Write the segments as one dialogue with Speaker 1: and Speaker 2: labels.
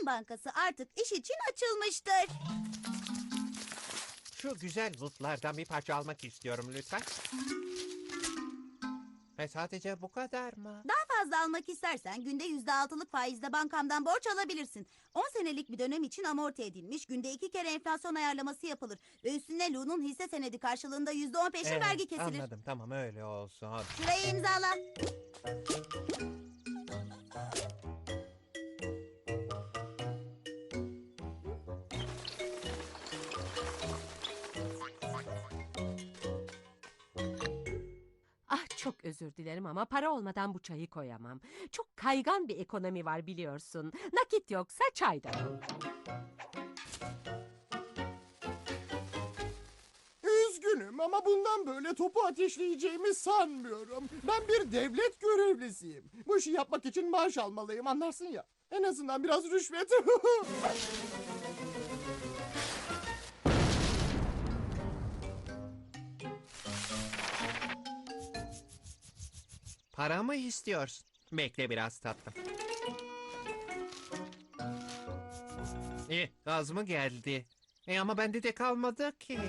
Speaker 1: Bankası artık iş için açılmıştır.
Speaker 2: Şu güzel lootlardan bir parça almak istiyorum lütfen. Ve sadece bu kadar mı?
Speaker 1: Daha fazla almak istersen günde %6'lık faizle bankamdan borç alabilirsin. 10 senelik bir dönem için amorti edilmiş, günde 2 kere enflasyon ayarlaması yapılır. Ve üstüne Lu'nun hisse senedi karşılığında %10 peşin vergi kesilir.
Speaker 2: Anladım, tamam öyle olsun. Hadi.
Speaker 1: Şurayı imzala.
Speaker 3: Ah, çok özür dilerim ama para olmadan bu çayı koyamam. Çok kaygan bir ekonomi var biliyorsun. Nakit yoksa çay da yok.
Speaker 4: Üzgünüm ama bundan böyle topu ateşleyeceğimi sanmıyorum. Ben bir devlet görevlisiyim. Bu işi yapmak için maaş almalıyım, anlarsın ya. En azından biraz rüşvet.
Speaker 2: Para mı istiyorsun? Bekle biraz tatlım. Gaz mı geldi? Ama bende de kalmadı ki.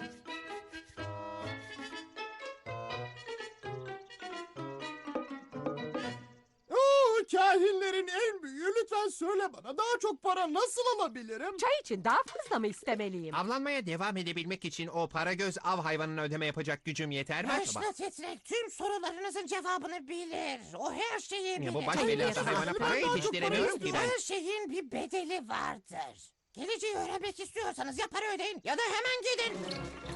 Speaker 4: Oo, kahinlerin en büyüğü, lütfen söyle bana, daha çok para nasıl alabilirim?
Speaker 3: Çay için daha fazla mı istemeliyim?
Speaker 2: Avlanmaya devam edebilmek için o para göz av hayvanına ödeme yapacak gücüm yeter mi acaba?
Speaker 5: Başla Titrek tüm sorularınızın cevabını bilir. O her şeyi bilir.
Speaker 2: Bu baş belası hayvana para yetiştiremiyorum ki ben.
Speaker 5: Her şeyin bir bedeli vardır. Geleceği öğrenmek istiyorsanız ya para ödeyin ya da hemen gidin.